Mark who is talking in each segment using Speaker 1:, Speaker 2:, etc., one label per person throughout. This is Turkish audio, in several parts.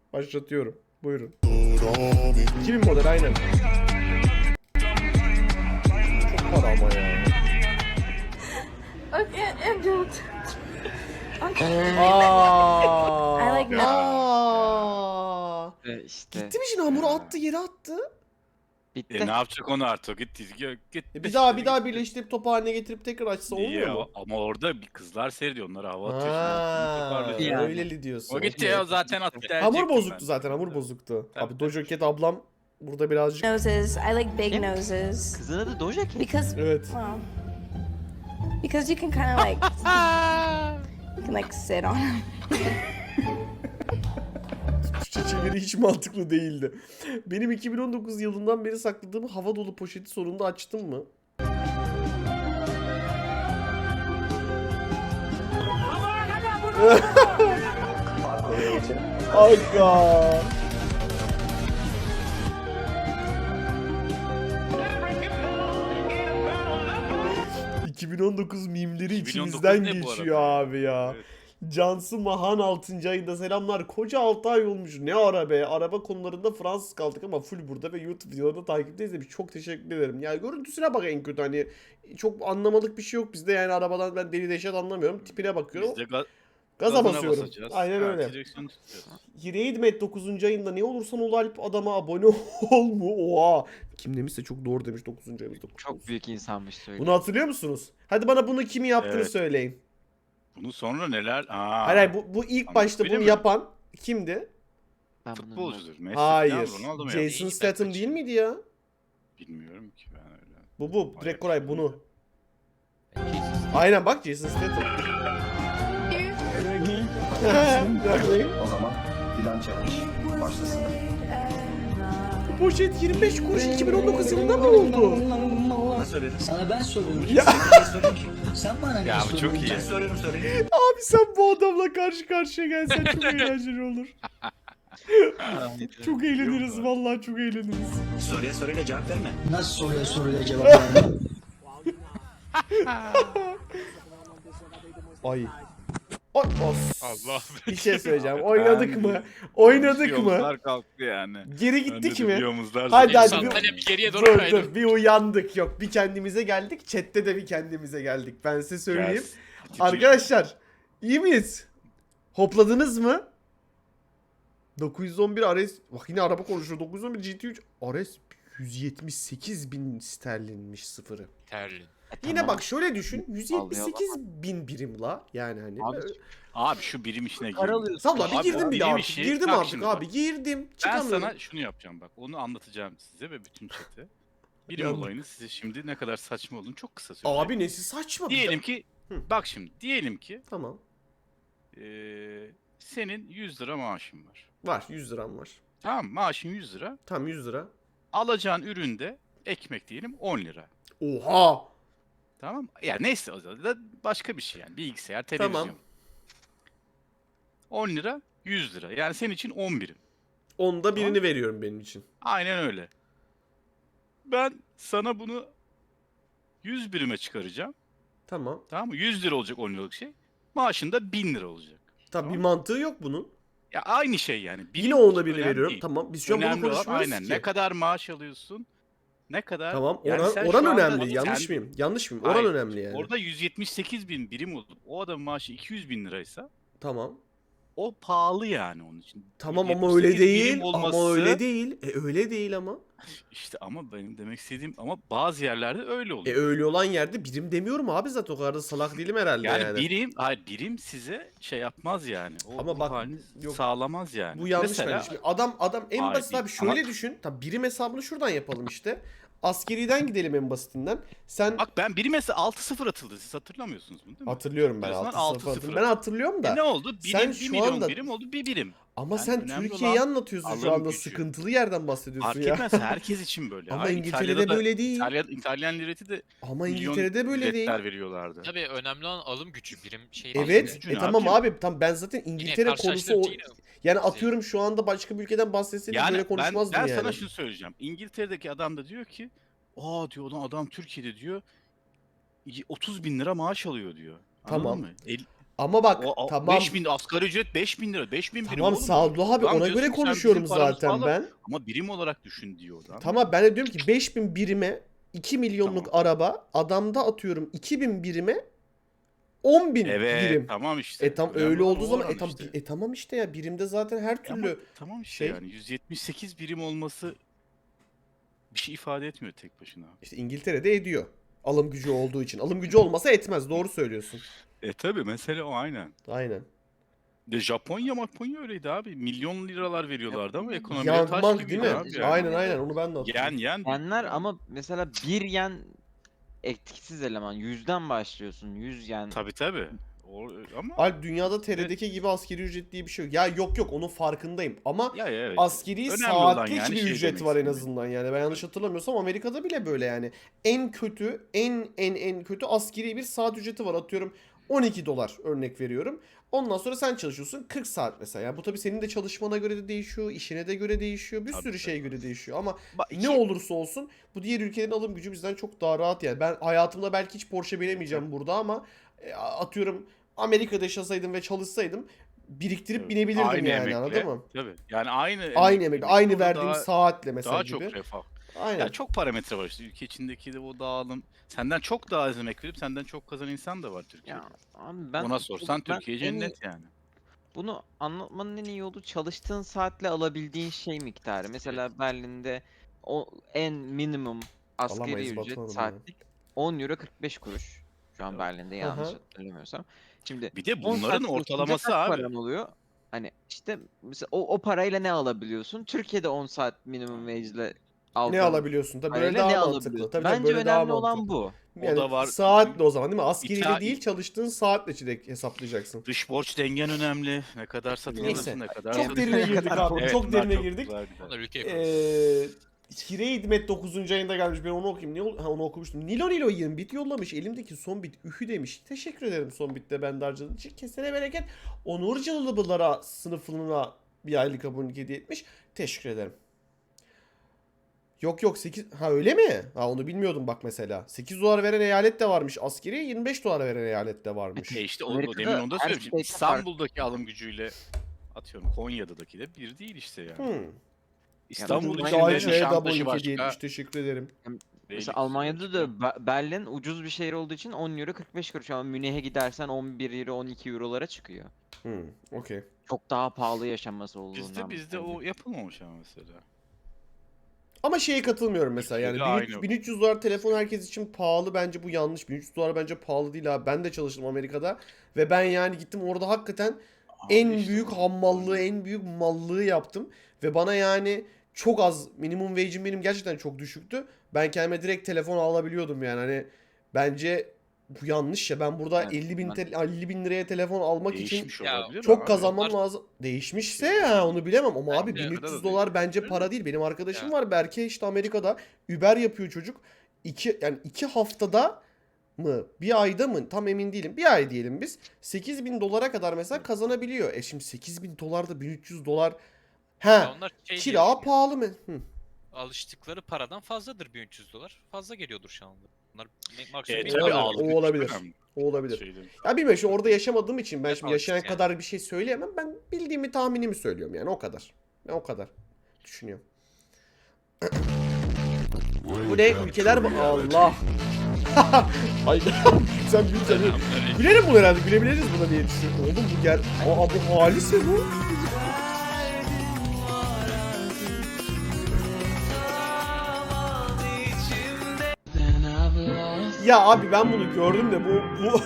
Speaker 1: Başlatıyorum. Buyurun. 2000 model aynen. Çok para ama ya.
Speaker 2: Okay, Angel.
Speaker 1: Aa.
Speaker 2: I like
Speaker 1: Aa.
Speaker 3: İşte.
Speaker 1: Gitti mi şimdi hamuru attı yere attı.
Speaker 3: Bitti.
Speaker 4: Ne yapacak onu artık? Gitti.
Speaker 1: Bir daha birleştirip top haline getirip tekrar açsa olmuyor mu?
Speaker 4: Ama orada bir kızlar seyrediyor. Onlara hava atıyor.
Speaker 1: Ha,
Speaker 4: Şimdi.
Speaker 3: Yani.
Speaker 1: öyleli diyorsun.
Speaker 4: O gitti
Speaker 1: Okey.
Speaker 4: ya zaten attı.
Speaker 1: Hamur bozuktu zaten, hamur bozuktu.
Speaker 4: Tabii,
Speaker 1: Abi
Speaker 4: tabii.
Speaker 1: Doja Cat ablam burada birazcık...
Speaker 2: Noses. I like big
Speaker 3: Kim?
Speaker 2: noses
Speaker 3: Kızın adı Doja Cat.
Speaker 2: because
Speaker 1: Evet.
Speaker 2: well, because you can kind of like you can like sit on 'em.
Speaker 1: Türkçe çeviri hiç mantıklı değildi. Benim 2019 yılından beri sakladığım hava dolu poşeti sonunda açtım mı? Aga. ...2019 mimleri
Speaker 4: 2019
Speaker 1: içimizden
Speaker 4: ne bu
Speaker 1: geçiyor
Speaker 4: arada?
Speaker 1: abi ya.
Speaker 4: Evet.
Speaker 1: Cansu Mahan 6. ayında selamlar. Koca 6 ay olmuş. Ne ara be. Araba konularında Fransız kaldık ama full burada ve YouTube videolarını takipteyiz demiş. Çok teşekkür ederim. Yani görüntüsüne bak en kötü hani. Çok anlamalık bir şey yok bizde yani arabadan ben deli deşet anlamıyorum. Tipine bakıyorum.
Speaker 4: Biz de
Speaker 1: Gaza
Speaker 4: gazına
Speaker 1: basıyorum.
Speaker 4: basacağız.
Speaker 1: Aynen
Speaker 4: Ha,
Speaker 1: öyle.
Speaker 4: direksiyonu tutacağız.
Speaker 1: Hireydmet 9. ayında ne olursan ol Alp adama abone ol mu? Oha. Kim demişse çok doğru demiş 9. ayımızda.
Speaker 3: Çok büyük insanmış söyle.
Speaker 1: Bunu hatırlıyor musunuz? Hadi bana bunu kim yaptığını
Speaker 4: Evet.
Speaker 1: söyleyin.
Speaker 4: Bunu sonra neler? Aa,
Speaker 1: Hayır bu ilk
Speaker 4: Ama
Speaker 1: başta
Speaker 4: öyle
Speaker 1: bunu
Speaker 4: mi?
Speaker 1: yapan kimdi?
Speaker 3: Ben bunu
Speaker 4: futbolcudur. Messi
Speaker 1: Hayır.
Speaker 4: falan, Ronaldo mu
Speaker 1: Jason
Speaker 4: yaptı?
Speaker 1: Statham değil miydi ya?
Speaker 4: Bilmiyorum ki ben öyle.
Speaker 1: Bu. Direkt Koray bunu.
Speaker 5: Jesus.
Speaker 1: Aynen bak Jason Statham.
Speaker 6: O zaman filan çekmiş. Başlasın.
Speaker 1: Poşet 25 kuruş 2019 yılında mı oldu?
Speaker 6: Ne söyledin?
Speaker 7: Sana ben soruyorum.
Speaker 1: Ya.
Speaker 7: Sen soruyorum ki. Sen bana ne
Speaker 4: Ya bu
Speaker 7: soruyorsun?
Speaker 4: çok iyi.
Speaker 6: Ben soruyorum soruyu.
Speaker 1: Abi sen bu adamla karşı karşıya gelsen çok eğlenceli olur. Çok eğleniriz vallahi çok eğleniriz.
Speaker 6: Soruya soruyla cevap verme.
Speaker 7: Nasıl soruyla cevap verme?
Speaker 1: Ay. Ay, of.
Speaker 4: Allah.
Speaker 1: Bir şey söyleyeceğim. Oynadık mı? Oynadık mı?
Speaker 4: Yomuzlar kalktı yani.
Speaker 1: Geri gittik mi?
Speaker 4: Yomuzlar
Speaker 1: Hadi
Speaker 5: Benim
Speaker 1: hadi
Speaker 5: sandalye bir geriye doğru
Speaker 1: dur
Speaker 5: kaydı.
Speaker 1: dur bir uyandık yok bir kendimize geldik chatte de bir kendimize geldik ben size söyleyeyim. Arkadaşlar iyi miyiz? Hopladınız mı? 911 RS bak yine araba konuşuyor 911 GT3 RS 178 bin sterlinmiş sıfırı.
Speaker 5: Terlin.
Speaker 1: Yine bak şöyle düşün 178 bin birim la yani hani.
Speaker 4: Abi şu birim işine gir.
Speaker 1: Salla bir
Speaker 4: Abi,
Speaker 1: girdim bir de
Speaker 4: birim
Speaker 1: artık
Speaker 4: işi-
Speaker 1: girdim
Speaker 4: bak
Speaker 1: artık
Speaker 4: şimdi
Speaker 1: abi
Speaker 4: bak.
Speaker 1: girdim
Speaker 4: Ben
Speaker 1: çıkamıyorum.
Speaker 4: sana şunu yapacağım bak. Onu anlatacağım size ve bütün chat'e. Birim
Speaker 1: Yandım.
Speaker 4: olayını size şimdi ne kadar saçma olduğunu çok kısa söyleyeceğim.
Speaker 1: Abi nesi saçma.
Speaker 4: Diyelim ki
Speaker 1: Hı.
Speaker 4: bak şimdi diyelim ki
Speaker 1: Tamam
Speaker 4: senin 100 lira maaşın var.
Speaker 1: var 100 liram var.
Speaker 4: Tamam maaşın 100 lira.
Speaker 1: Tamam 100 lira.
Speaker 4: Alacağın üründe ekmek diyelim 10 lira.
Speaker 1: Oha.
Speaker 4: Tamam. Ya neyse o zaman da başka bir şey yani. Bilgisayar, televizyon.
Speaker 1: Tamam.
Speaker 4: 10 lira 100 lira. Yani senin için 10 birim.
Speaker 1: Onda birini veriyorum benim için.
Speaker 4: Aynen öyle. Ben sana bunu 100 birime çıkaracağım.
Speaker 1: Tamam.
Speaker 4: Tamam mı? 100 lira olacak 10 liralık şey. Maaşın da 1000 lira olacak.
Speaker 1: Tabii bir
Speaker 4: Tamam.
Speaker 1: mantığı yok bunun.
Speaker 4: Ya aynı şey yani.
Speaker 1: Yine onda birini
Speaker 4: önemli
Speaker 1: veriyorum.
Speaker 4: değil.
Speaker 1: Tamam. Biz şu an bunu
Speaker 4: Önemli olan
Speaker 1: konuşmuyoruz
Speaker 4: aynen.
Speaker 1: ki.
Speaker 4: Ne kadar maaş alıyorsun? Ne kadar?
Speaker 1: Tamam.
Speaker 4: Yani
Speaker 1: Oran,
Speaker 4: sen şu
Speaker 1: oran
Speaker 4: anda
Speaker 1: önemli. Yanlış
Speaker 4: kendi-
Speaker 1: mıyım? Yanlış mıyım? Oran
Speaker 4: Hayır.
Speaker 1: önemli yani.
Speaker 4: Orada 178 bin birim olup o adamın maaşı 200 bin liraysa
Speaker 1: Tamam.
Speaker 4: o pahalı yani onun için.
Speaker 1: Tamam ama öyle
Speaker 4: 178 birim
Speaker 1: değil. Ama
Speaker 4: olması-
Speaker 1: öyle değil. Öyle değil ama.
Speaker 4: İşte ama benim demek istediğim ama bazı yerlerde öyle oluyor.
Speaker 1: Öyle olan yerde birim demiyorum abi zaten. O kadar da salak değilim herhalde
Speaker 4: yani,
Speaker 1: yani.
Speaker 4: birim size şey yapmaz yani. O
Speaker 1: Ama
Speaker 4: ruh
Speaker 1: bak,
Speaker 4: halini
Speaker 1: yok.
Speaker 4: sağlamaz yani.
Speaker 1: Bu yanlış
Speaker 4: Mesela,
Speaker 1: bence. Şimdi adam en
Speaker 4: Hayır,
Speaker 1: basit
Speaker 4: değil.
Speaker 1: abi şöyle
Speaker 4: Ama-
Speaker 1: düşün. Tabii birim hesabını şuradan yapalım işte. Askeriden gidelim en basitinden. Sen
Speaker 4: Bak ben biri mesela 6-0 atıldı. Siz hatırlamıyorsunuz bunu değil mi?
Speaker 1: hatırlıyorum ben
Speaker 4: Diyorsun,
Speaker 1: 6
Speaker 4: 6-0.
Speaker 1: sıfır. Ben hatırlıyorum da.
Speaker 4: Ne oldu?
Speaker 1: sen
Speaker 4: 1
Speaker 1: şu
Speaker 4: milyon
Speaker 1: anda-
Speaker 4: birim oldu 1 birim.
Speaker 1: Ama
Speaker 4: Yani
Speaker 1: sen
Speaker 4: önemli
Speaker 1: Türkiye'yi
Speaker 4: olan
Speaker 1: anlatıyorsun şu
Speaker 4: alım
Speaker 1: anda.
Speaker 4: gücü.
Speaker 1: Sıkıntılı yerden bahsediyorsun
Speaker 4: Fark
Speaker 1: ya.
Speaker 4: etmez herkes için böyle.
Speaker 1: Ama
Speaker 4: Aynı
Speaker 1: İngiltere'de
Speaker 4: İtalya'da da-
Speaker 1: böyle değil.
Speaker 4: İtalyan lireti de
Speaker 1: Ama
Speaker 4: milyon
Speaker 1: İngiltere'de böyle değil.
Speaker 4: biletler veriyorlardı.
Speaker 5: Tabii önemli olan alım gücü birim şey.
Speaker 1: Evet.
Speaker 4: gücü ne
Speaker 1: Tamam
Speaker 4: yapayım?
Speaker 1: abi. Tam ben zaten
Speaker 5: Yine
Speaker 1: İngiltere konusu
Speaker 5: karşılaştırınca yine
Speaker 1: yani atıyorum şu anda başka bir ülkeden bahsetseydik
Speaker 4: Yani
Speaker 1: böyle
Speaker 4: ben
Speaker 1: konuşmazdım yani.
Speaker 4: sana şunu söyleyeceğim. İngiltere'deki adam da diyor ki aa diyor lan adam Türkiye'de diyor 30 bin lira maaş alıyor diyor. Anladın
Speaker 1: Tamam.
Speaker 4: mı?
Speaker 1: Ama bak
Speaker 4: O
Speaker 1: tamam.
Speaker 4: 5000 asgari ücret 5000 lira. 5000 birim
Speaker 1: Tamam
Speaker 4: oğlum.
Speaker 1: Sadullah abi
Speaker 4: Lan
Speaker 1: ona
Speaker 4: diyorsun
Speaker 1: göre
Speaker 4: ki sen
Speaker 1: konuşuyorum
Speaker 4: bizim paramızı
Speaker 1: zaten
Speaker 4: al
Speaker 1: ben.
Speaker 4: Ama birim olarak düşün diyor adam.
Speaker 1: Tamam ben de diyorum ki 5000 birime 2 milyonluk araba, adamda atıyorum 2000 birime 10.000
Speaker 4: Evet
Speaker 1: birim.
Speaker 4: tamam işte.
Speaker 1: Tam
Speaker 4: Önemli
Speaker 1: öyle
Speaker 4: olan
Speaker 1: olduğu
Speaker 4: o
Speaker 1: zaman
Speaker 4: oran
Speaker 1: tam
Speaker 4: işte.
Speaker 1: tamam işte ya, birimde zaten her
Speaker 4: Ama
Speaker 1: türlü
Speaker 4: tamam işte
Speaker 1: şey-
Speaker 4: yani 178 birim olması bir şey ifade etmiyor tek başına.
Speaker 1: işte İngiltere'de ediyor. Alım gücü olduğu için. Alım gücü olmasa etmez. Doğru söylüyorsun.
Speaker 4: Tabi mesele o aynen.
Speaker 1: Aynen.
Speaker 4: Japonya öyleydi abi. Milyon liralar veriyorlardı ama ekonomileri taş
Speaker 1: Yanmak
Speaker 4: gibiydi
Speaker 1: değil mi?
Speaker 4: abi yani.
Speaker 1: Aynen onu ben de hatırlıyorum.
Speaker 4: Yen.
Speaker 3: Yenler ama mesela 1 yen etkisiz eleman. 100'den başlıyorsun. 100 yen.
Speaker 4: Tabi. Ama
Speaker 1: Alp dünyada TR'deki gibi asgari ücret diye bir şey yok. Ya yok onun farkındayım ama
Speaker 4: ya evet.
Speaker 1: askeri
Speaker 4: Önemli olan
Speaker 1: saatlik
Speaker 4: yani
Speaker 1: bir
Speaker 4: şey
Speaker 1: ücret
Speaker 4: demek
Speaker 1: var en
Speaker 4: istedim.
Speaker 1: azından yani. Ben yanlış hatırlamıyorsam Amerika'da bile böyle yani. En kötü en kötü askeri bir saat ücreti var. Atıyorum 12 dolar örnek veriyorum. Ondan sonra sen çalışıyorsun 40 saat mesela. Yani bu tabii senin de çalışmana göre de değişiyor, işine de göre değişiyor, bir
Speaker 4: Tabii,
Speaker 1: sürü şeye göre değişiyor ama
Speaker 4: Ba-
Speaker 1: ne olursa olsun bu diğer ülkelerin alım gücü bizden çok daha rahat yani. Ben hayatımda belki hiç Porsche binemeyeceğim burada ama atıyorum Amerika'da yaşasaydım ve çalışsaydım biriktirip
Speaker 4: Evet.
Speaker 1: binebilirdim
Speaker 4: Aynı
Speaker 1: yani,
Speaker 4: emekle,
Speaker 1: anladın mı?
Speaker 4: Tabii. Yani aynı
Speaker 1: Aynı emek, aynı
Speaker 4: burada
Speaker 1: verdiğim saatle mesela
Speaker 4: daha
Speaker 1: gibi.
Speaker 4: çok refah.
Speaker 1: Aynen.
Speaker 4: Ya çok parametre var işte ülke içindeki de o dağılım. Senden çok daha az emek verip senden çok kazanan insan da var Türkiye'de.
Speaker 3: Ya abi ben
Speaker 4: Ona sorsan
Speaker 3: ben
Speaker 4: Türkiye
Speaker 3: en iyi-
Speaker 4: cennet yani.
Speaker 3: Bunu anlatmanın en iyi yolu çalıştığın saatle alabildiğin şey miktarı. Mesela Berlin'de o en minimum asgari
Speaker 1: Alamayız
Speaker 3: ücret
Speaker 1: Batuhan'ım ya.
Speaker 3: saatlik 10 euro 45 kuruş. Şu an
Speaker 4: Evet.
Speaker 3: Berlin'de yanlış
Speaker 1: Aha.
Speaker 3: hatırlamıyorsam. Şimdi
Speaker 4: Bir de
Speaker 3: 10 saat
Speaker 4: bunların
Speaker 3: çalışınca
Speaker 4: ortalaması
Speaker 3: kaç
Speaker 4: abi.
Speaker 3: paran oluyor? Hani işte mesela o parayla ne alabiliyorsun? Türkiye'de 10 saat minimum wage ile
Speaker 1: Ne
Speaker 3: aldığın
Speaker 1: alabiliyorsun? Tabii böyle
Speaker 3: parayla ne
Speaker 1: daha mantıklı.
Speaker 3: alabiliyorsun?
Speaker 1: Tabii
Speaker 3: Bence
Speaker 1: böyle daha
Speaker 3: önemli olan
Speaker 1: mantıklı.
Speaker 3: bu.
Speaker 4: O
Speaker 1: Yani
Speaker 4: da var.
Speaker 1: saatle o zaman değil mi? Askeriyle
Speaker 4: İta-
Speaker 1: değil çalıştığın saatle hesaplayacaksın.
Speaker 4: Dış borç dengen önemli. Ne kadar
Speaker 1: Neyse.
Speaker 4: satıyorsun, ne kadar
Speaker 1: Çok derine girdik abi.
Speaker 4: Evet,
Speaker 1: çok
Speaker 4: bunlar
Speaker 1: derine
Speaker 4: çok
Speaker 1: girdik.
Speaker 4: güzel, güzel.
Speaker 5: Onlar ülke ekonomisi.
Speaker 1: Kire hizmet 9. ayında gelmiş. Ben onu okuyayım. Onu okumuştum. Nilo 20 bit yollamış. Elimdeki son bit ühü demiş. Teşekkür ederim son bitte ben de harcadığın için. Kesene bereket. Onur Cılıbılara sınıfına bir aylık abonelik hediye etmiş. Teşekkür ederim. Yok 8. Ha öyle mi? Ha onu bilmiyordum bak mesela. 8 dolar veren eyalet de varmış. Askeri 25 dolar veren eyalet de varmış.
Speaker 4: İşte
Speaker 3: Amerika'da
Speaker 4: demin onu da
Speaker 3: her
Speaker 4: söylemiştim.
Speaker 3: şeyde
Speaker 4: İstanbul'daki alım gücüyle atıyorum Konya'daki de bir değil işte yani. İstanbul
Speaker 3: Yani
Speaker 4: içinde
Speaker 1: Gayet da
Speaker 4: Nişantaşı
Speaker 1: abonelik hediye
Speaker 4: başka.
Speaker 1: etmiş. Teşekkür ederim.
Speaker 3: Mesela
Speaker 4: Beylikdüzü
Speaker 3: Almanya'da
Speaker 4: başka.
Speaker 3: da Berlin ucuz bir şehir olduğu için 10 euro 45 kuruş ama Münih'e gidersen 11 euro 12 eurolara çıkıyor.
Speaker 1: Okey.
Speaker 3: Çok daha pahalı yaşaması olduğundan.
Speaker 4: Bizde o yapılmamış ama mesela.
Speaker 1: Ama şeye katılmıyorum mesela yani
Speaker 4: Türkiye'de
Speaker 1: 1300,
Speaker 4: aynı.
Speaker 1: 1300 dolar telefon herkes için pahalı, bence bu yanlış. 1300 dolar bence pahalı değil abi. Ben de çalıştım Amerika'da ve ben yani gittim orada hakikaten en
Speaker 4: işte
Speaker 1: büyük
Speaker 4: bu-
Speaker 1: hammallığı, en büyük mallığı yaptım ve bana yani çok az, minimum wage'im benim gerçekten çok düşüktü. Ben kendime direkt telefon alabiliyordum yani hani bence bu yanlış ya. Ben burada
Speaker 3: Evet,
Speaker 1: 50 bin liraya telefon almak için
Speaker 4: Değişmiş
Speaker 5: Ya,
Speaker 4: olabilir
Speaker 1: çok
Speaker 4: abi.
Speaker 1: kazanmam
Speaker 5: Onlar-
Speaker 1: lazım. Değişmişse ya onu bilemem ama abi
Speaker 5: Bence
Speaker 1: 1300
Speaker 4: arada
Speaker 1: dolar bence
Speaker 4: değişmiş.
Speaker 1: para değil. Benim arkadaşım
Speaker 5: Ya.
Speaker 1: var Berke, işte Amerika'da Uber yapıyor çocuk. Yani 2 haftada mı bir ayda mı tam emin değilim. Bir ay diyelim biz. 8.000 dolara kadar mesela kazanabiliyor. Şimdi 8.000 dolar da 1300 dolar.
Speaker 5: Ya
Speaker 1: He.
Speaker 5: onlar şey diye
Speaker 1: Kira
Speaker 5: düşünüyor.
Speaker 1: pahalı mı?
Speaker 5: Alıştıkları paradan fazladır 1300 dolar. Fazla geliyordur şu anda. Bunlar maksimum
Speaker 4: Evet,
Speaker 5: bin
Speaker 1: tabii,
Speaker 5: dolar.
Speaker 1: algı o olabilir. O olabilir. Ya bilmiyorum, şimdi orada yaşamadığım için ben
Speaker 5: Ne
Speaker 1: şimdi yaşayan
Speaker 5: alıştık yani.
Speaker 1: kadar bir şey söyleyemem. Ben bildiğimi, tahminimi söylüyorum yani o kadar. Ben o kadar düşünüyorum. Bu ne? Ülkeler Allah. Ay sen güzel. Gülerim bunu herhalde. Gülebiliriz buna diye düşünüyorum. Oğlum bu gel. Aa bu halise bu. Ya abi ben bunu gördüm de bu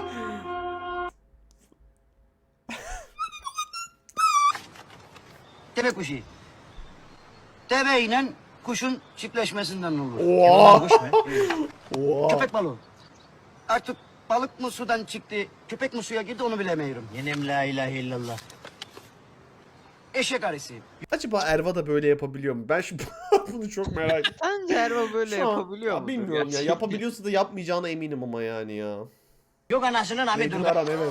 Speaker 7: Deve kuşu. Deve ile kuşun çiftleşmesinden olur.
Speaker 1: Oha.
Speaker 7: Kuş mu?
Speaker 1: Oha.
Speaker 7: Köpek balığı. Artık balık mı sudan çıktı, köpek mi suya girdi onu bilemiyorum. Yenem la ilahe illallah. Eşek arısı.
Speaker 1: Acaba Erva da böyle yapabiliyor mu? Ben şu bunu çok merak ettim.
Speaker 3: Sence Erva böyle
Speaker 1: Şu an-
Speaker 3: yapabiliyor
Speaker 1: Ya
Speaker 3: mu?
Speaker 1: bilmiyorum ya. Yapabiliyorsa da yapmayacağına eminim ama yani ya.
Speaker 7: Yok anasının amı
Speaker 1: Nedir
Speaker 7: dur.
Speaker 1: Aran, evet.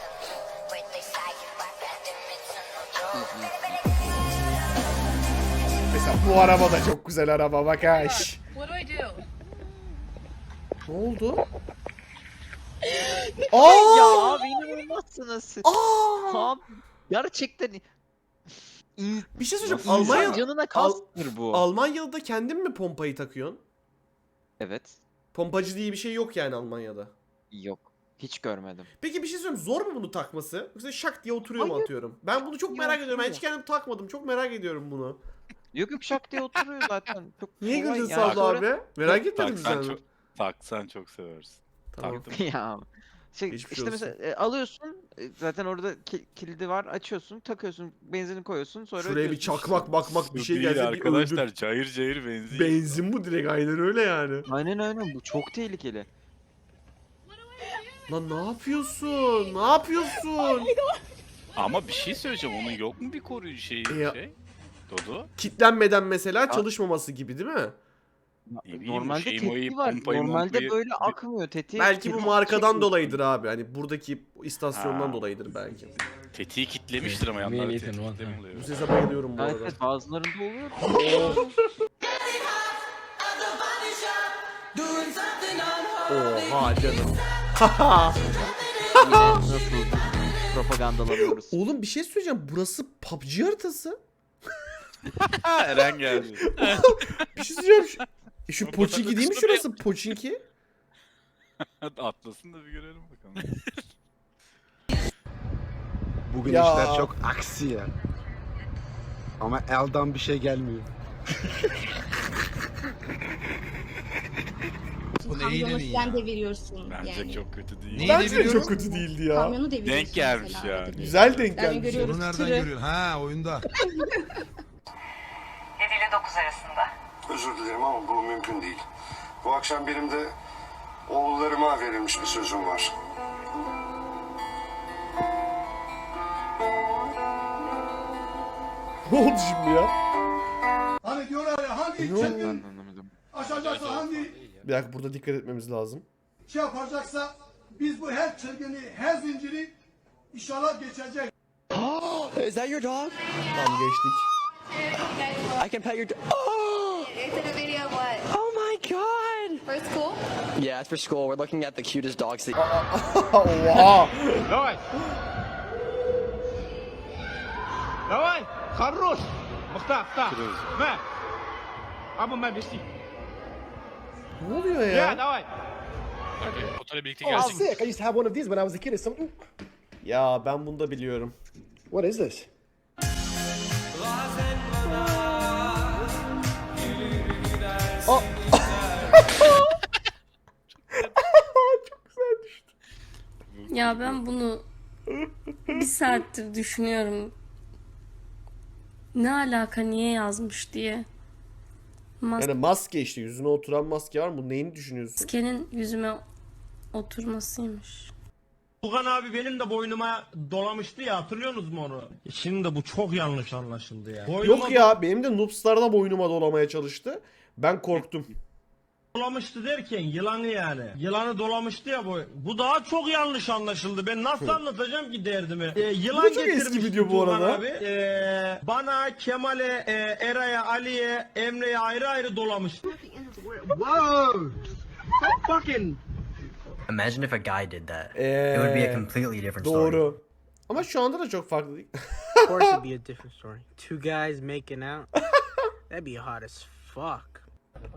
Speaker 1: Mesela bu araba da çok güzel araba bak ha.
Speaker 8: What do I do?
Speaker 1: Ne oldu?
Speaker 3: Ya
Speaker 1: Aa!
Speaker 3: abi inanılmazsınız siz.
Speaker 1: Aa!
Speaker 3: Abi gerçekten
Speaker 1: Bir şey söyleyeceğim.
Speaker 3: İnsan
Speaker 1: Almanya
Speaker 3: canına kastır bu.
Speaker 1: Almanya'da da kendin mi pompayı takıyorsun?
Speaker 3: Evet.
Speaker 1: Pompacı diye bir şey yok yani Almanya'da.
Speaker 3: Yok. Hiç görmedim.
Speaker 1: Peki bir şey söyleyeyim. Zor mu bunu takması? Yoksa şak diye oturuyor mu
Speaker 3: Hayır.
Speaker 1: atıyorum? Ben bunu çok
Speaker 3: Yok,
Speaker 1: merak ediyorum. Ben hiç
Speaker 3: hayır.
Speaker 1: kendim takmadım. Çok merak ediyorum bunu.
Speaker 3: Yok yok şak diye oturuyor zaten. Çok
Speaker 1: Niye
Speaker 3: kolay
Speaker 1: güldün
Speaker 3: yani.
Speaker 1: Sabri abi? Merak etmedin mi
Speaker 4: Taksan
Speaker 1: sen?
Speaker 4: çok, taksan çok seversin.
Speaker 1: Tamam.
Speaker 4: Taktım.
Speaker 3: Ya şey,
Speaker 1: Geçmiş
Speaker 3: işte
Speaker 1: olsun.
Speaker 3: mesela alıyorsun zaten orada kilidi var, açıyorsun, takıyorsun, benzini koyuyorsun, sonra
Speaker 1: Şuraya bir
Speaker 3: ödüyorsun.
Speaker 1: çakmak bakmak bir
Speaker 4: Su
Speaker 1: şey
Speaker 4: değil
Speaker 1: gelse bir
Speaker 4: arkadaşlar,
Speaker 1: öldür.
Speaker 4: cayır cayır benzin.
Speaker 1: Benzin bu direkt aynen öyle yani.
Speaker 3: Aynen bu çok tehlikeli.
Speaker 1: Lan ne yapıyorsun? Ne yapıyorsun?
Speaker 4: Ama bir şey söyleyeceğim, onun yok mu bir koruyucu şeyi
Speaker 1: Ya-
Speaker 4: şey? Dodo?
Speaker 1: Kitlenmeden mesela çalışmaması gibi değil mi?
Speaker 4: Ne bileyim,
Speaker 3: Normalde
Speaker 4: şeyi,
Speaker 3: tetiği
Speaker 4: moyu,
Speaker 3: var.
Speaker 4: pompayı,
Speaker 3: Normalde
Speaker 4: mompayı-
Speaker 3: böyle akmıyor tetiği.
Speaker 1: Belki bu
Speaker 3: tetiği
Speaker 1: markadan
Speaker 3: çekiyorsun.
Speaker 1: dolayıdır abi. Hani buradaki istasyondan
Speaker 4: Ha.
Speaker 1: dolayıdır belki.
Speaker 4: Tetiği kitlemiştir ama yanlarda tetikte oluyor.
Speaker 1: Bu sese bayılıyorum bu
Speaker 3: Evet,
Speaker 1: arada.
Speaker 3: evet bazılarında oluyor.
Speaker 1: Oha canım.
Speaker 3: Yine nasıl propagandalanıyoruz.
Speaker 1: Oğlum bir şey söyleyeceğim. Burası PUBG haritası.
Speaker 4: Eren geldi.
Speaker 1: Bir şey söyleyeceğim. Şu
Speaker 5: Bu
Speaker 1: Pochinki değil mi
Speaker 5: kısmı
Speaker 1: şurası? Pochinki.
Speaker 4: Atlasın da bir görelim bakalım.
Speaker 8: Bugün
Speaker 1: Ya.
Speaker 8: işler çok aksi ya. Ama elden bir şey gelmiyor.
Speaker 9: Kamyonu sen deviriyorsun
Speaker 4: Bence
Speaker 9: yani.
Speaker 4: çok kötü değil.
Speaker 10: Neyi
Speaker 1: Bence de
Speaker 10: deviriyorum?
Speaker 1: çok kötü değildi ya.
Speaker 9: Kamyonu deviriyorsun
Speaker 4: Denk gelmiş
Speaker 9: mesela
Speaker 4: yani.
Speaker 9: arada bir.
Speaker 1: Güzel denk
Speaker 9: Yani
Speaker 1: gelmiş.
Speaker 9: görüyoruz
Speaker 10: Bunu nereden
Speaker 9: tırı.
Speaker 10: görüyorsun? Ha oyunda.
Speaker 11: 7 ile 9 arasında.
Speaker 6: Özür dilerim ama bu mümkün değil. Bu akşam benim de oğullarıma verilmiş bir sözüm var.
Speaker 1: Ne oldu şimdi ya?
Speaker 8: Hani diyorlar ya hangi
Speaker 1: Ne oldu?
Speaker 3: Ben anlamadım.
Speaker 8: aşacaksa hangi
Speaker 1: Bir dakika burada dikkat etmemiz lazım.
Speaker 8: şey yapacaksa biz bu her çılgını, her zinciri inşallah geçecek.
Speaker 7: Is that your dog?
Speaker 1: Tamam geçtik.
Speaker 7: I can pet your dog.
Speaker 9: It's in a video of what?
Speaker 7: Oh my god!
Speaker 9: For school?
Speaker 7: Yeah, it's for school. We're looking at the cutest dogs.
Speaker 1: Oha.
Speaker 8: Давай! Давай! Хорош! Махта, Мэ! Абу мэ беси.
Speaker 1: Ne oluyor ya?
Speaker 8: давай!
Speaker 5: Motorla birlikte gelsin.
Speaker 8: I used to have one of these when I was a kid. It's something.
Speaker 1: Ya ben bunu da biliyorum.
Speaker 8: What is this?
Speaker 2: Ya ben bunu bir saattir düşünüyorum. Ne alaka niye yazmış diye.
Speaker 1: Yani maske işte yüzüne oturan maske var mı? Bu neyini düşünüyorsun?
Speaker 2: Maskenin yüzüme oturmasıymış.
Speaker 8: Tugan abi benim de boynuma dolamıştı ya, hatırlıyorsunuz mu onu? Şimdi bu çok yanlış anlaşıldı ya.
Speaker 1: Yok ya benim de Noobstar'da boynuma dolamaya çalıştı. Ben korktum.
Speaker 8: Dolamıştı derken yılanı yani. Yılanı dolamıştı ya bu. Bu daha çok yanlış anlaşıldı. Ben nasıl anlatacağım ki derdimi? Yılan
Speaker 1: Bu da çok eski
Speaker 8: getirmişti
Speaker 1: video bu
Speaker 8: Tugan
Speaker 1: arada.
Speaker 8: Abi. Bana, Kemal'e, Eray'a, Ali'ye, Emre'ye ayrı ayrı dolamıştı. Wow! Fucking
Speaker 7: Imagine if a guy did that. completely different
Speaker 1: Doğru. Ama şu anda da çok farklı değil.
Speaker 7: Of course it'd be a different story. Two guys making out. That'd be hot as fuck.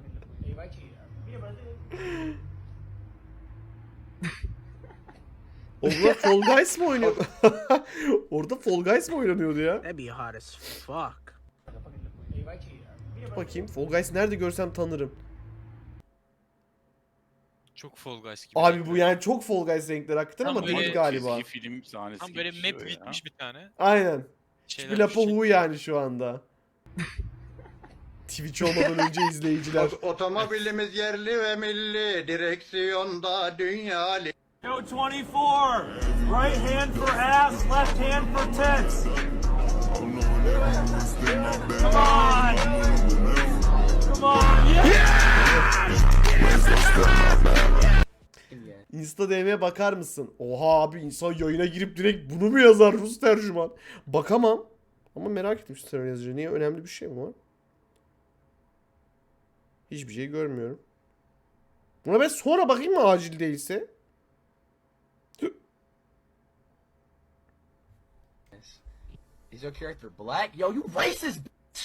Speaker 1: Orada Fall Guys mı oynuyor? Orada Fall Guys mı oynanıyordu ya?
Speaker 7: That'd be hot as fuck.
Speaker 1: Bakayım Fall Guys nerede görsem tanırım.
Speaker 5: Çok Fall Guys gibi.
Speaker 1: Abi bu yani çok Fall Guys renkleri hakikaten
Speaker 5: Tam
Speaker 1: ama
Speaker 5: böyle
Speaker 1: değil galiba.
Speaker 4: Çizgi film sahnesi
Speaker 5: Tam
Speaker 4: gibi
Speaker 5: böyle
Speaker 4: bir şey
Speaker 5: map
Speaker 4: o ya.
Speaker 5: bitmiş bir tane.
Speaker 1: Aynen.
Speaker 5: Şeyler
Speaker 1: Hiçbir lafı
Speaker 5: düşecek.
Speaker 1: hu yani şu anda. Twitch olmadan önce izleyiciler.
Speaker 8: Otomobilimiz yerli ve milli, direksiyonda dünyalı.
Speaker 11: Yo 24. Right hand for ass, left hand for tits. Come on. Come on. Yeah!
Speaker 1: Insta DM'ye bakar mısın? Oha abi insan yayına girip direkt bunu mu yazar Rus tercüman? Bakamam. Ama merak ettim şu tercüman yazıcı. Niye önemli bir şey mi var? Hiçbir şey görmüyorum. Buna ben sonra bakayım mı acil değilse?
Speaker 7: Is your character black? Yo, you racist.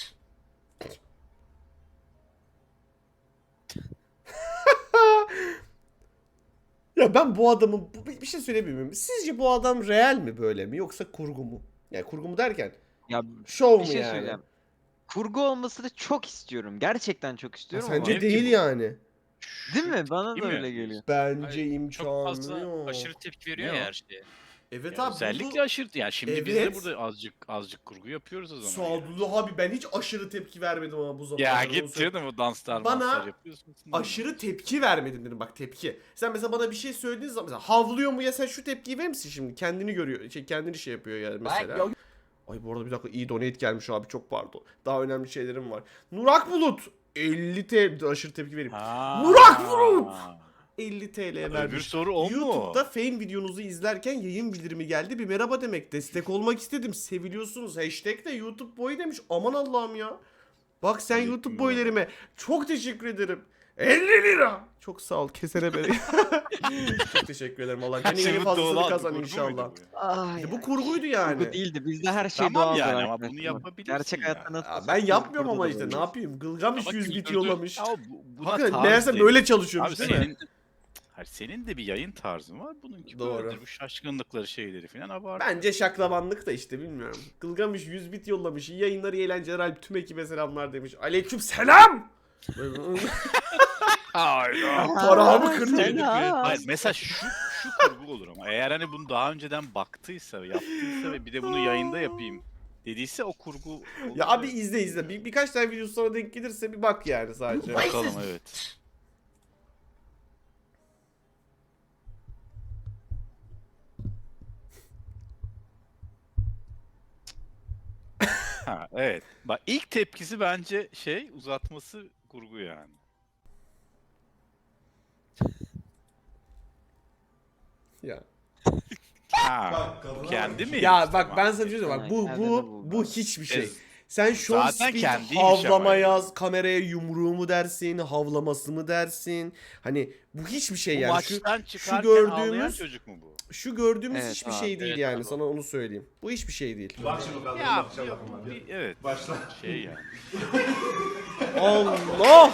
Speaker 1: Ya ben bu adamın bir şey söyleyebilir miyim? Sizce bu adam real mi böyle mi yoksa kurgu mu? Yani kurgu mu derken
Speaker 3: Ya
Speaker 1: şov
Speaker 3: bir
Speaker 1: mu
Speaker 3: şey
Speaker 1: yani?
Speaker 3: söyleyeceğim. Kurgu olmasını çok istiyorum. Gerçekten çok istiyorum ama.
Speaker 1: Sence değil yani.
Speaker 3: Değil mi? Bana
Speaker 4: Değil
Speaker 3: da
Speaker 4: mi?
Speaker 3: öyle geliyor.
Speaker 1: Bence
Speaker 5: Hayır,
Speaker 1: imkanı
Speaker 5: Çok fazla
Speaker 1: yok.
Speaker 5: aşırı tepki veriyor
Speaker 4: Ne
Speaker 5: ya
Speaker 4: o?
Speaker 5: her şeye.
Speaker 1: Evet
Speaker 4: Ya
Speaker 1: abi
Speaker 4: özellikle aşırı yani şimdi biz de
Speaker 1: Evet.
Speaker 4: burada azıcık kurgu yapıyoruz o zaman. yani.
Speaker 1: Sadullah abi ben hiç aşırı tepki vermedim ama bu zamanda.
Speaker 4: Ya
Speaker 1: onu
Speaker 4: git
Speaker 1: söyleyeyim.
Speaker 4: canım o danslar
Speaker 1: Bana
Speaker 4: manslar yapıyorsun.
Speaker 1: Aşırı tepki vermedim dedim bak tepki. Sen mesela bana bir şey söylediğin zaman mesela havlıyor mu ya sen şu tepkiyi verir misin şimdi? Kendini görüyor, kendini şey yapıyor yani mesela. Ay bu arada bir dakika iyi donate gelmiş abi çok pardon. Daha önemli şeylerim var. Nurak Bulut 50 TL aşırı tepki vereyim. Nurak Bulut 50 TL
Speaker 4: Öbür
Speaker 1: vermiş.
Speaker 4: soru o mu?
Speaker 1: YouTube'da Fame videonuzu izlerken yayın bildirimi geldi. Bir merhaba demek. Destek olmak istedim. Seviliyorsunuz. Hashtag de YouTube boyu demiş. Aman Allah'ım ya. Bak sen
Speaker 4: Aleyküm
Speaker 1: YouTube
Speaker 4: merhaba.
Speaker 1: boylarıma çok teşekkür ederim. 50 lira. Çok sağ ol. Kesene beni. Çok teşekkür ederim. Allah kendi yeni fazlasını kazan inşallah.
Speaker 3: Ay,
Speaker 1: Bu kurguydu yani.
Speaker 3: kurgu değildi. Bizde her şey
Speaker 4: Tamam
Speaker 3: doğaldır
Speaker 4: yani ama
Speaker 3: arkadaşlar.
Speaker 4: bunu yapabilirsin
Speaker 3: Gerçek
Speaker 4: ya.
Speaker 3: hayatta nasıl?
Speaker 1: Ya ben yapmıyorum ama işte ne yapayım? Gılgamış
Speaker 5: Ama
Speaker 1: 100 bit
Speaker 5: kültürdür.
Speaker 1: yollamış.
Speaker 4: Ya buna
Speaker 1: Hakikaten
Speaker 4: tarz
Speaker 1: meğerse
Speaker 4: değil.
Speaker 1: böyle çalışıyormuş
Speaker 4: Abi
Speaker 1: değil mi?
Speaker 4: senin, hayır, senin de bir yayın tarzın var. Bununki
Speaker 1: Doğru.
Speaker 4: böyledir. Bu şaşkınlıkları şeyleri falan abart.
Speaker 1: Bence şaklabanlık da işte bilmiyorum. Gılgamış 100 bit yollamış. İyi yayınlar, iyi eğlenceler Alp tüm ekibe selamlar demiş. Aleyküm selam. Paramı kırdın.
Speaker 3: Selam.
Speaker 4: Hayır mesela şu kurgu olur ama eğer hani bunu daha önceden baktıysa, yaptıysa ve bir de bunu yayında yapayım dediyse o kurgu olur.
Speaker 1: Ya abi izle. Birkaç tane video sonra denk gelirse bir bak yani sadece.
Speaker 4: Bakalım evet. Ha evet. Bak ilk tepkisi bence şey uzatması kurgu yani.
Speaker 1: Ya.
Speaker 4: Ha. Kendi mi?
Speaker 1: Ya
Speaker 4: yemiş
Speaker 1: bak
Speaker 4: ama?
Speaker 1: ben sana bir şey söyleyeyim. Bak bu
Speaker 3: Aynen,
Speaker 1: bu
Speaker 3: bu-
Speaker 1: bu hiçbir şey.
Speaker 4: Ez-
Speaker 1: Sen show
Speaker 4: Zaten
Speaker 1: speed
Speaker 4: kendiymiş
Speaker 1: havlama
Speaker 4: ama.
Speaker 1: yaz, kameraya yumruğu mu dersin, havlaması mı dersin? Hani bu hiçbir şey
Speaker 4: Bu
Speaker 1: yani.
Speaker 4: maçtan çıkarken
Speaker 1: gördüğümüz-
Speaker 4: ağlayan çocuk mu bu?
Speaker 1: Şu gördüğümüz
Speaker 3: Evet
Speaker 1: hiçbir
Speaker 3: abi,
Speaker 1: şey değil
Speaker 5: evet
Speaker 1: yani
Speaker 5: abi.
Speaker 1: sana onu söyleyeyim. Bu hiçbir şey değil.
Speaker 4: Ya yok, evet. Başla. Şey yani.
Speaker 1: Allah!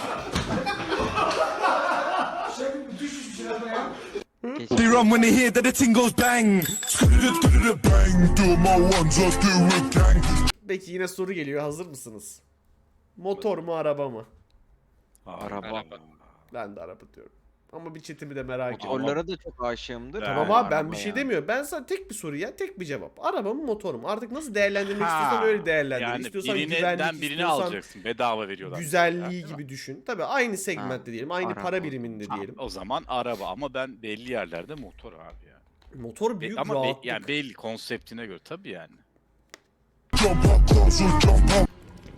Speaker 3: Keşke.
Speaker 11: run when they hear that the ting goes bang. Bang, do my ones, I do it gang.
Speaker 1: Peki yine soru geliyor. Hazır mısınız? Motor mu araba mı?
Speaker 3: Araba.
Speaker 1: Ben de araba diyorum. Ama bir chatimi de merak ediyorum.
Speaker 3: Motorlara da çok aşığımdır.
Speaker 1: Tamam
Speaker 4: Ha,
Speaker 1: abi ben
Speaker 3: araba
Speaker 1: bir şey
Speaker 3: yani.
Speaker 1: demiyorum. Ben sana tek bir soru ya tek bir cevap. Araba mı motor mu? Artık nasıl değerlendirmek
Speaker 4: Ha,
Speaker 1: istiyorsan öyle değerlendir.
Speaker 4: Yani
Speaker 1: istiyorsan
Speaker 4: birinden
Speaker 1: güvenlik,
Speaker 4: birini
Speaker 1: istiyorsan
Speaker 4: alacaksın. Bedava veriyorlar.
Speaker 1: güzelliği
Speaker 4: mesela, değil mi?
Speaker 1: gibi düşün. Tabii aynı segmentte diyelim. Aynı
Speaker 3: araba.
Speaker 1: para biriminde
Speaker 4: Ha,
Speaker 1: diyelim.
Speaker 4: o zaman araba ama ben belli yerlerde motor abi yani.
Speaker 1: Motor büyük
Speaker 4: Ama
Speaker 1: rahatlık.
Speaker 4: yani belli konseptine göre tabii yani.
Speaker 11: Jump up, closer, jump up.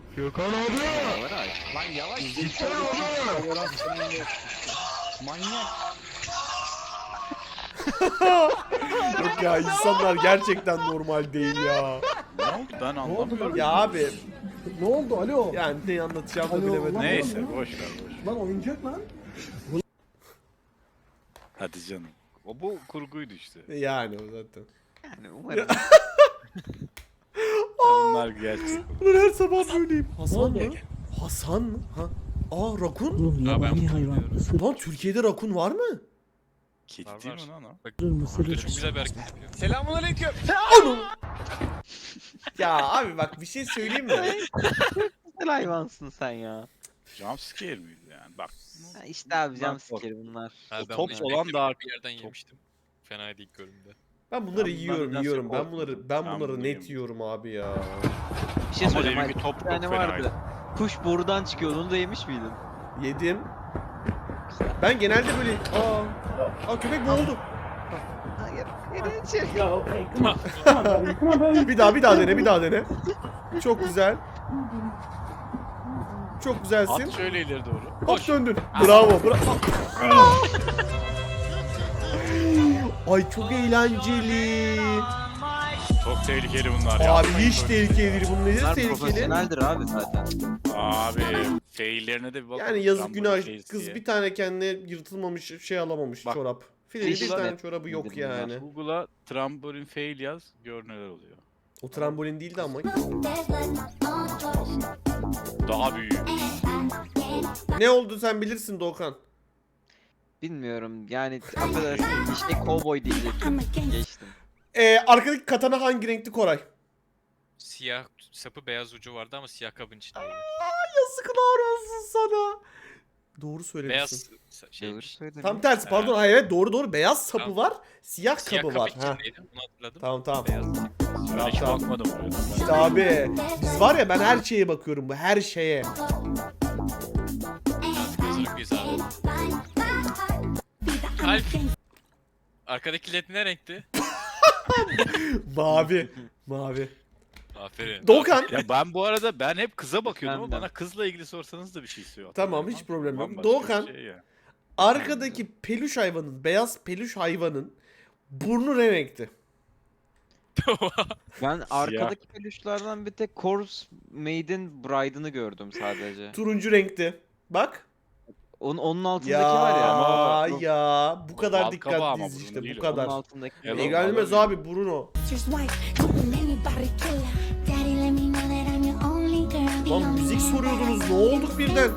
Speaker 1: Yok ya insanlar gerçekten normal değil ya.
Speaker 4: Ne oldu ben anlamıyorum.
Speaker 1: Ya abi
Speaker 10: Ne oldu alo?
Speaker 1: yani ne anlatacağımı bilemedim.
Speaker 4: Neyse boş ver.
Speaker 10: Lan oyuncak lan.
Speaker 4: Hadi canım. O bu kurguydu işte.
Speaker 1: Yani o zaten.
Speaker 3: Yani umarım.
Speaker 4: Onlar gerçek.
Speaker 1: Ulan her sabah böyleyim. Hasan mı? Hasan mı? Ha? Aa rakun?
Speaker 10: Oğlum
Speaker 5: Ya ben
Speaker 10: yabani
Speaker 5: bunu
Speaker 10: hayvan.
Speaker 5: bilmiyorum.
Speaker 10: Isırır
Speaker 1: Lan Türkiye'de rakun var mı?
Speaker 4: Kedi
Speaker 5: Var,
Speaker 4: değil
Speaker 5: var.
Speaker 4: mi lan o?
Speaker 5: Bak
Speaker 10: mısırır
Speaker 5: burada
Speaker 10: mısırır.
Speaker 5: çok güzel bir hareket yapıyor.
Speaker 1: Ya abi bak bir şey söyleyeyim mi?
Speaker 3: Güzel hayvansın sen ya.
Speaker 4: Jumpscare miydi yani? Bak.
Speaker 3: Ha İşte abi
Speaker 4: Bunlar
Speaker 3: jumpscare bunlar.
Speaker 5: Ha,
Speaker 4: O
Speaker 5: ben
Speaker 4: top
Speaker 5: bunu
Speaker 4: olan daha-
Speaker 5: bir yerden yemiştim. Fena değil görünümde.
Speaker 1: Ben bunları
Speaker 4: Ben
Speaker 1: yiyorum
Speaker 4: bunlardan
Speaker 1: yiyorum.
Speaker 4: çok
Speaker 1: Ben
Speaker 4: korktum.
Speaker 1: bunları
Speaker 4: Ben
Speaker 1: bunları
Speaker 4: bunu
Speaker 1: net
Speaker 4: yemiyorum.
Speaker 1: yiyorum abi ya.
Speaker 3: Bir şey
Speaker 4: Ama
Speaker 3: söyleyeceğim.
Speaker 4: deminki top
Speaker 3: Bir tane
Speaker 4: çok
Speaker 3: vardı.
Speaker 4: fenaydı.
Speaker 3: Kuş borudan çıkıyordu. Onu da yemiş miydin?
Speaker 1: Yedim. Ben genelde böyle aa köpek boğuldu.
Speaker 3: Hayır.
Speaker 1: Bir daha dene. Çok güzel. Çok güzelsin.
Speaker 4: At şöyle ileri doğru.
Speaker 1: Hop döndün. Bravo. Ay çok eğlenceli.
Speaker 4: Çok tehlikeli bunlar ya.
Speaker 1: Abi hiç tehlikeli değil. Bunun nedir
Speaker 3: Bunlar
Speaker 1: tehlikeli?
Speaker 3: profesyoneldir abi zaten.
Speaker 4: Abi faillerine de bir bakalım.
Speaker 1: Yani yazık
Speaker 4: Trump
Speaker 1: günah.
Speaker 4: fails
Speaker 1: Kız
Speaker 4: diye.
Speaker 1: bir tane kendine yırtılmamış şey alamamış
Speaker 4: Bak,
Speaker 1: çorap. Fileli bir
Speaker 3: Google'a
Speaker 1: tane
Speaker 3: ne?
Speaker 1: çorabı yok
Speaker 3: Nedir
Speaker 1: yani.
Speaker 4: Google'a trambolin fail yaz gör neler oluyor.
Speaker 1: O trambolin değildi ama.
Speaker 4: Aslında daha büyük.
Speaker 1: Ne oldu sen bilirsin Doğukan.
Speaker 3: Bilmiyorum yani affedersin işte cowboy diyecektim. Geçtim.
Speaker 1: Arkadaki katana hangi renkti Koray?
Speaker 5: Siyah sapı beyaz ucu vardı ama siyah kabın içindeydi.
Speaker 1: Yazıklar olsun sana. Doğru söylemişsin.
Speaker 5: Beyaz
Speaker 3: Doğru
Speaker 5: şeymiş.
Speaker 3: söyledin.
Speaker 1: Tam tersi pardon. Hayır evet doğru. Beyaz sapı
Speaker 5: Tamam.
Speaker 1: var. Siyah
Speaker 5: Siyah
Speaker 1: kabı
Speaker 5: kabı
Speaker 1: var. Ha.
Speaker 5: içindeydi. Onu hatırladım.
Speaker 1: Tamam.
Speaker 5: Beyaz.
Speaker 4: Ben hiç
Speaker 1: Tamam.
Speaker 4: bakmadım oraya.
Speaker 1: İşte abi biz var ya ben her şeye bakıyorum bu her şeye.
Speaker 5: Hazırlık biz abi. Alp. Arkadaki led ne renkti?
Speaker 1: Mavi.
Speaker 5: Aferin.
Speaker 1: Doğukan.
Speaker 4: Ya ben bu arada hep kıza bakıyordum ama
Speaker 3: Ben de.
Speaker 4: bana kızla ilgili sorsanız da bir şey söyle.
Speaker 1: Tamam, hiç problem yok.
Speaker 4: Bambaşka
Speaker 1: Doğukan.
Speaker 4: bir şey ya.
Speaker 1: Arkadaki peluş hayvanın, beyaz peluş hayvanın burnu ne renkti?
Speaker 3: Ben arkadaki peluşlardan bir tek Corpse Maiden Bride'ını gördüm sadece.
Speaker 1: Turuncu renkti. Bak.
Speaker 3: Onun altındaki
Speaker 1: Ya
Speaker 3: var ya.
Speaker 1: ya bu kadar
Speaker 4: bal kabağı ama
Speaker 1: dikkatliyiz
Speaker 4: burnu
Speaker 1: işte
Speaker 4: değil
Speaker 1: bu
Speaker 4: o.
Speaker 1: kadar.
Speaker 3: Onun altındaki.
Speaker 4: Yalan.
Speaker 1: İlgilenmez abi Bruno. Lan müzik soruyordunuz ne olduk birden?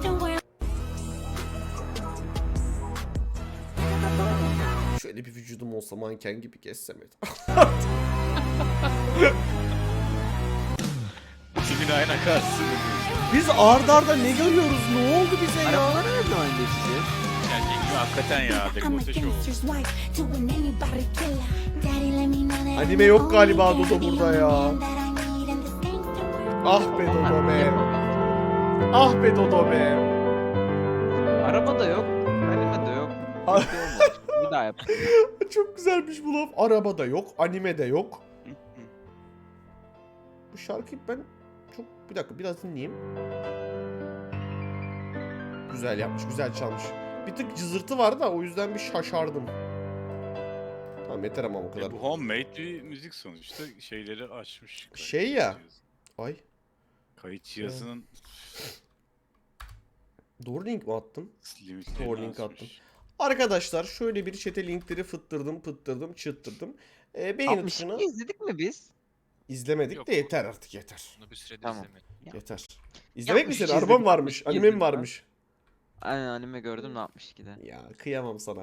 Speaker 1: Şöyle bir vücudum olsa manken gibi gezsem et.
Speaker 4: Kimin ayna karşısında.
Speaker 1: Biz arda arda ne görüyoruz? Ne oldu bize ya?
Speaker 3: Arabalara ne zaman geçeceğiz?
Speaker 4: Hakikaten ya. Dekolte şov.
Speaker 1: Anime yok galiba Dodo burada ya. Ah be Dodo be. Ah be Dodo be.
Speaker 3: Araba da yok. Anime de yok.
Speaker 1: Ar-
Speaker 3: Bir şey olmamış. Bir daha yap.
Speaker 1: Çok güzelmiş bu laf. Arabada yok, animede yok. Bu şarkıyı ben çok... Bir dakika biraz dinleyeyim. Güzel yapmış, güzel çalmış. Bir tık cızırtı vardı da o yüzden bir şaşardım. Tamam yeter ama o kadar.
Speaker 4: Bu homemade bir müzik sonuçta şeyleri açmış.
Speaker 1: Şey ya. Ay
Speaker 4: Kayıt cihazının
Speaker 1: doğru link mi attım?
Speaker 4: limitlerini
Speaker 1: Doğru link
Speaker 4: açmış.
Speaker 1: attım. Arkadaşlar şöyle bir chat'e linkleri fıttırdım, çıttırdım. Beğeni
Speaker 3: 62
Speaker 1: tuşuna
Speaker 3: izledik mi biz?
Speaker 1: izlemedik
Speaker 5: Yok.
Speaker 1: de yeter artık yeter.
Speaker 5: Bunu bir süredir
Speaker 3: Tamam.
Speaker 5: izlemedim.
Speaker 1: Yeter. İzlemek mi
Speaker 3: 62
Speaker 1: senin? Araba mı
Speaker 3: izledik,
Speaker 1: varmış?
Speaker 3: 62
Speaker 1: Anime mi
Speaker 3: izledik lan.
Speaker 1: varmış?
Speaker 3: Aynen anime gördüm ne 62'de.
Speaker 1: Ya kıyamam sana.